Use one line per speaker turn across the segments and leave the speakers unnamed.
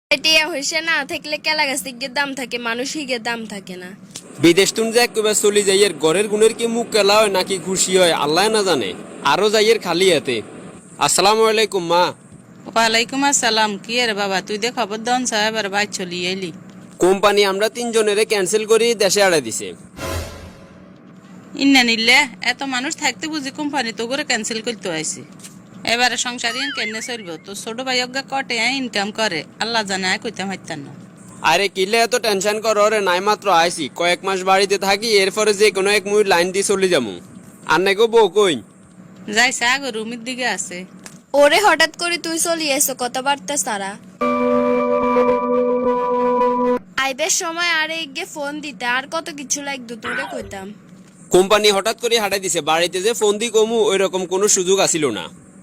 টিয়া হইছে না থাকলে কেলা গাছে গিয়ে দাম থাকে, মানুষই গিয়ে দাম থাকে না।
বিদেশ তুন যে একবার চলি যাইয়ের ঘরের গুণের কি মুখ কেলা হয় নাকি খুশি হয় আল্লাহ না জানে। আরো যাইয়ের খালি হাতে। আসসালামু আলাইকুম মা।
ওয়ালাইকুম আসসালাম। কি রে বাবা, তুই দে খবর দন সাহেব আর বাইর চলি এলি।
কোম্পানি আমরা তিনজনের ক্যান্সেল করি দেশে আড়াই দিছে।
ইন্না নিলে এত মানুষ থাকতে বুঝি কোম্পানি তো করে ক্যান্সেল করতে আইছে। এবারে সংসারিয়ান কেনে চলবো? তো ছোট ভাই অজ্ঞা কটে ইনকাম করে আল্লাহ জানে, আয় কইতাম হাইতাম না।
আরে কিলে এত টেনশন করো রে, নাই মাত্র আইছি কয়েক মাস বাড়িতে থাকি, এরপরে যে কোনো এক মুই লাইন দিয়ে চলে যাবো। আর নাকি বউ কই?
যাইছে আগে রুমের দিকে আছে।
ওরে হঠাৎ করে তুই চলি এসো কথাবার্তা সারা। আইবের সময় আরে গিয়ে ফোন দিতে আর কত কিছু লাগতো তোরে কইতাম।
কোম্পানি হঠাৎ করে হাঁটাই দিছে, বাড়িতে যে ফোন দি কমু ওই রকম কোনো সুযোগ আসিল না।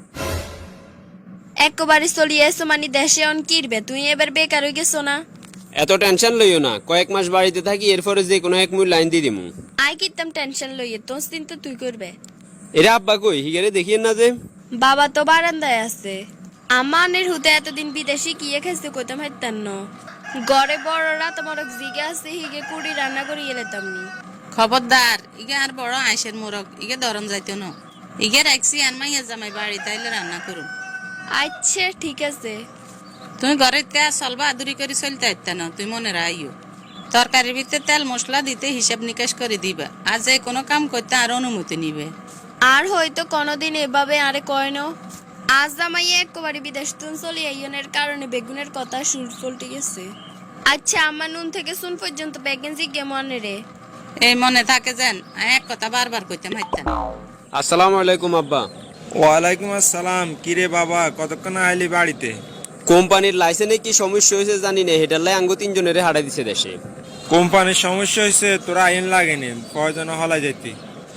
একবারে চলি এসো মানে দেশে অন কিরবে, তুই এবার বেকার হয়ে গেছো না।
এত টেনশন লইও না, কয়েক মাস বাড়িতে থাকি এরপরে যে কোনো এক মুই লাইন দিয়ে দিমু।
আই কিতাম টেনশন লইয়ে, তোর চিন্তা তুই করবে।
এরা আব্বা কই হিগারে দেখিয়েন না যে।
বাবা তো বারান্দায় আছে। আমানের হুতে এতদিন বিদেশি কিয়ে খেয়েছে কইতাম হাইতাম ন। গড়ে বড়রা তোমার জিগে আছে হিগে কুড়ি রান্না করি এলেতাম নি।
খবরদার, ইগে আর বড় আইসের মোরগ ইগে ধরন যাইতো না। ইগে রাখছি আর মাইয়া জামাই বাড়ি তাইলে রান্না করুন।
আচ্ছা ঠিক আছে।
তুমি ঘরে তে চলবা আদুরি করে চলতে আইতা না, তুই মনে রাইও। তরকারির ভিতরে তেল মশলা দিতে হিসাব নিকাশ করে দিবা, আর যে কোনো কাম করতে আর অনুমতি নিবে।
আর হয়তো কোনোদিন এভাবে আরে কয় ন। আজ জামাইয়ে একবারে বিদেশ তুন চলি আইনের কারণে বেগুনের কথা সুর ফলটে গেছে। আচ্ছা আমার নুন থেকে শুন পর্যন্ত বেগুন জিগে মনে রে।
এই মনে থাকে যেন, এক কথা বারবার কইতাম হাইতাম।
আসসালামু আলাইকুম আব্বা।
ওয়ালাইকুম আসসালাম। কিরে বাবা, কতক্ষণ আইলি বাড়িতে?
কোম্পানির লাইসেন্সে কি সমস্যা হয়েছে জানি না, হেটার লাই আঙ্গু তিনজনের হাঁটাই দিছে দেশে।
কোম্পানির সমস্যা হয়েছে, তোরা আইন লাগেনি, প্রয়োজন হলাই যাইতি।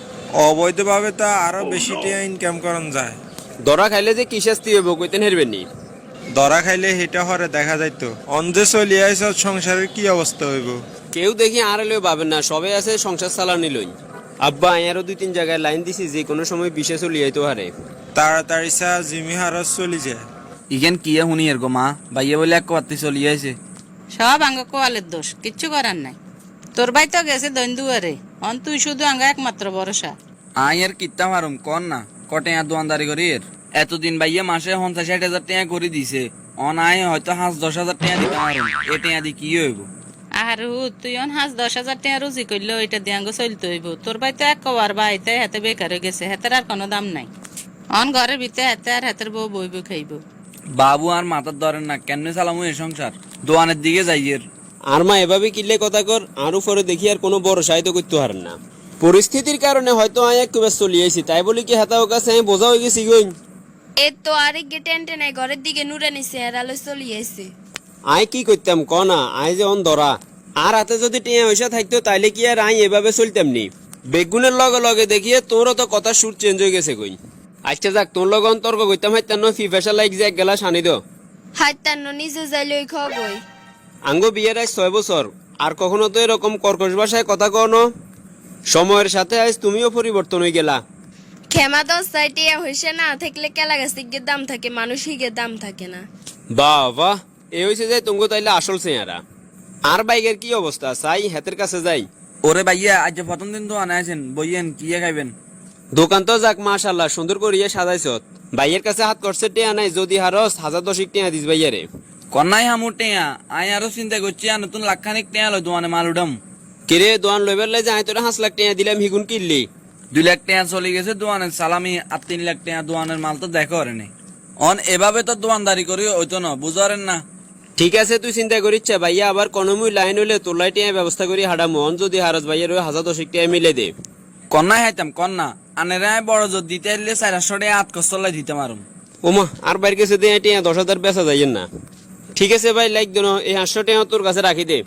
অবৈধভাবে তো আরো বেশি টাকা ইনকাম করন যায়।
ধরা খাইলে যে কি শাস্তি হইব কইতেন হেরবেন নি।
ধরা খাইলে হেটা হরে দেখা যাইতো। অন্ধে চলিয়ে আইস, সংসারের কি অবস্থা হইব?
কেউ দেখি আর এলেও পাবেন না, সবাই আছে সংসার চালানি লই। আব্বা আরো 2-3 জায়গায় লাইন দিছি, যে কোনো সময় বিশেষ চলে যাইতো হারে।
তাড়াতাড়ি চা জিমি হারস চলি যায়।
ইগেন কিয়া শুনি এর গো মা, বাইয়ে বলে এক কথা চলি আইছে।
সব আঙ্গ কোয়ালের দোষ, কিচ্ছু করার নাই। তোর ভাই তো গেছে দৈন্দুয়ারে, অন তুই শুধু আঙ্গ একমাত্র ভরসা।
আই এর কিত্তা মারুম কন না, কটে আর দোয়ানদারি করি এর। এতদিন বাইয়ে মাসে 50-60 হাজার টাকা করে দিছে, অন আয় হয়তো 5-10 হাজার টাকা দিতে মারুম। এ টাকা দি কি হইব?
আর তুই অন 5-10 হাজার টাকা রুজি করলো, এটা দিয়ে আঙ্গ চলতে হইব। তোর ভাই তো এক কবার বাড়িতে হাতে বেকার হয়ে গেছে, হাতের আর কোনো দাম নাই। অন ঘরের ভিতরে হাতে আর হাতের বউ বইব খাইব।
বাবু আর মাথার ধরেন না, কেমনে চালামু এই সংসার? দোয়ানের দিকে যাই এর।
আর মা এভাবে কিনলে কথা কর, আর উপরে দেখি আর কোনো বড় সাহিত্য করতে পারেন না। পরিস্থিতির কারণে হয়তো আমি একটু ব্যস্ত চলিয়েছি, তাই বলি কি হাতাও কাছে আমি বোঝা হয়ে গেছি গই।
এ তো আরে গে টেন্টে নাই, ঘরের দিকে নুরে নিছে আর আলো চলি আইছে।
আই কি করতাম ক না, আই যে অন ধরা। আর হাতে যদি টিয়া পয়সা থাকতো তাইলে কি আর আই এভাবে চলতাম নি। বেগুনের লগে লগে দেখিয়ে তোরও তো কথা সুর চেঞ্জ হয়ে গেছে কই। আচ্ছা যাক, তোর লগে তর্ক করতাম হাইতাম না, ফিফাসা লাইক যে এক গেলাস আনি দো।
হাইতান্ন নিজে যাইলে খাওয়া বই।
আঙ্গ বিয়ের আজ 6 বছর, আর কখনো তো এরকম কর্কশ ভাষায় কথা কও না। সময়ের সাথে আজ তুমিও পরিবর্তন হয়ে গেলা।
খেমা দশ সাইটিয়া হইছে না থাকলে কেলা গাছে গিয়ে দাম থাকে, মানুষই গিয়ে দাম থাকে না।
বাহ বাহ, এ হয়েছে যে তুঙ্গ তাইলে আসল চেহারা। আর বাইকের কি অবস্থা, চাই হাতের কাছে যাই।
ওরে বাইয়া আজ প্রথম দিন দোয়ানে আছেন, বইয়েন কিয়া খাইবেন?
দোকান তো যাক মাশাল্লাহ সুন্দর করিয়ে সাজাইছত। ভাইয়ের কাছে হাত করছে টেয়া নাই, যদি হারস 1010 টাকা দিস ভাইয়ারে।
কন্যাই হামুর টেয়া, আই আরো চিন্তা করছি আর নতুন লাখখানিক টেয়া লয় দোয়ানে মাল উঠাম।
কিরে দোয়ান লইবার লাই যাই তোরা 5 লাখ টাকা দিলাম, হিগুন কিনলি।
2 লাখ টাকা চলে গেছে দোয়ানের সালামি, আর 3 লাখ টাকা দোয়ানের মাল তো দেখো রে নেই। অন এভাবে তো দোয়ানদারি করি হইতো না, বুঝারেন না?
ঠিক আছে তুই চিন্তা করিচ্ছে ভাইয়া, আবার কোনমুই লাইন হইলে তোর লাই টিয়া ব্যবস্থা করি হাডামো। অন যদি হারস ভাইয়ের 1010 টাকা মিলে দে।
কন্যাই হাইতাম কন্যা, আনেরা বড় জোর দিতে এলে 400 টাকা 8 কষ্টলাই দিতে মারুম।
ওমা আর বাইর কাছে দিয়ে টিয়া 10,000 বেচা যাইয়েন না। ঠিক আছে ভাই, লাইক দেন, এই 500 টাকা তোর কাছে রাখি দে।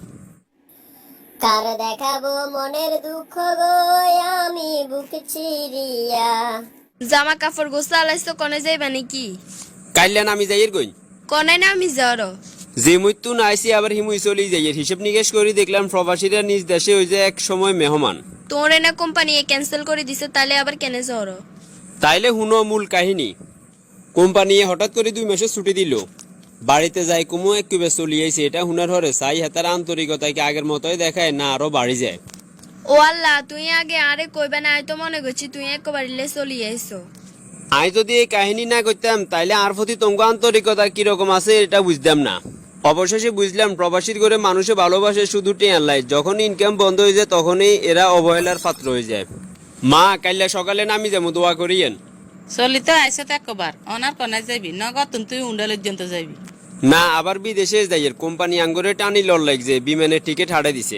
কার দেখাবো মনের দুঃখ গো, আমি বুক চিরিয়া।
জামা কাপড় গোসা আলাইছো, কনে যাইবা নাকি?
কাইলেন আমি যাইয়ের কই।
কনে না আমি যাওয়ার।
যে মৃত্যু না আইসি আবার হিমুই চলি যাইয়ের। হিসেব নিকেশ করি দেখলাম প্রবাসীরা নিজ দেশে হয়ে যায় এক সময় মেহমান।
তোর না কোম্পানি ক্যান্সেল করে দিছে, তাহলে আবার কেনে যাওয়ার?
তাইলে হুনো মূল কাহিনী। কোম্পানি হঠাৎ করে 2 মাসের ছুটি দিল। বাড়িতে যাই কুমু একটু চলিয়েছে এটা হুনার হরে চাই হেতার আন্তরিকতা কি আগের মতোই দেখায় না আরো বাড়ি যায়।
ও আল্লাহ, তুই আগে আরে কইবে না, আমি তো মনে করছি তুই একবারে চলি আইছো।
আমি যদি এই কাহিনী না করতাম তাইলে আর প্রতি তোমাকে আন্তরিকতা কিরকম আছে এটা বুঝতাম না। অবশেষে বুঝলাম প্রবাসীর করে মানুষে ভালোবাসে শুধু টেয়ার লাই, যখন ইনকাম বন্ধ হয়ে যায় তখনই এরা অবহেলার পাত্র হয়ে যায়। মা কাইলা সকালে নামি যাবো, দোয়া করিয়েন।
চলি তো আইসো তো একবার অনার কনায় যাবি নগদ তুই উন্ডাল পর্যন্ত যাবি।
না আবার বিদেশে যাইয়ের কোম্পানি আঙ্গুরে টানি লড় লাগছে, বিমানের টিকিট হারাই দিছে।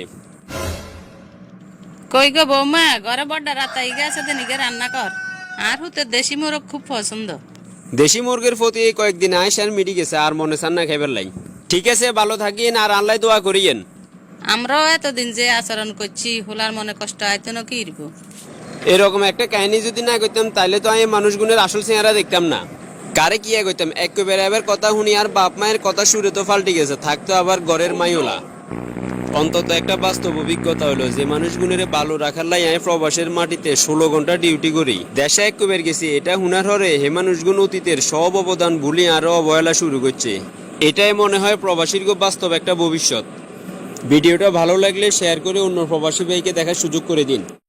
কই গো বৌমা, ঘরে বড় রাতাই গেছে দিনিকে রান্না কর। আর হুতে দেশি মোরগ খুব পছন্দ।
দেশি মুরগির প্রতি এই কয়েকদিন আয়সার মিটি গেছে, আর মনে চান না খাইবার লাই। ঠিক আছে, ভালো থাকিন আর আল্লাহ দোয়া করিয়েন।
আমরাও এতদিন যে আচরণ করছি হোলার মনে কষ্ট আইতো না কি ইরবো।
এরকম একটা কাহিনী যদি না করতাম তাহলে তো আমি মানুষগুনের আসল চেহারা দেখতাম না। কারে কি করতাম একেবারে এবার কথা শুনি আর বাপ মায়ের কথা সুরে তো পাল্টে গেছে, থাকতো আবার ঘরের মাইওলা। অন্তত একটা বাস্তব অভিজ্ঞতা হলো যে মানুষগুনের ভালো রাখার লাই আমি প্রবাসের মাটিতে 16 ঘন্টা ডিউটি করি, দেশে একবার গেছি। এটা হুনার হরে হে মানুষগুন অতীতের সব অবদান ভুলি আরো অবহেলা শুরু করছে। এটাই মনে হয় প্রবাসীর বাস্তব একটা ভবিষ্যৎ। ভিডিওটা ভালো লাগলে শেয়ার করে অন্য প্রবাসী ভাইকে দেখার সুযোগ করে দিন।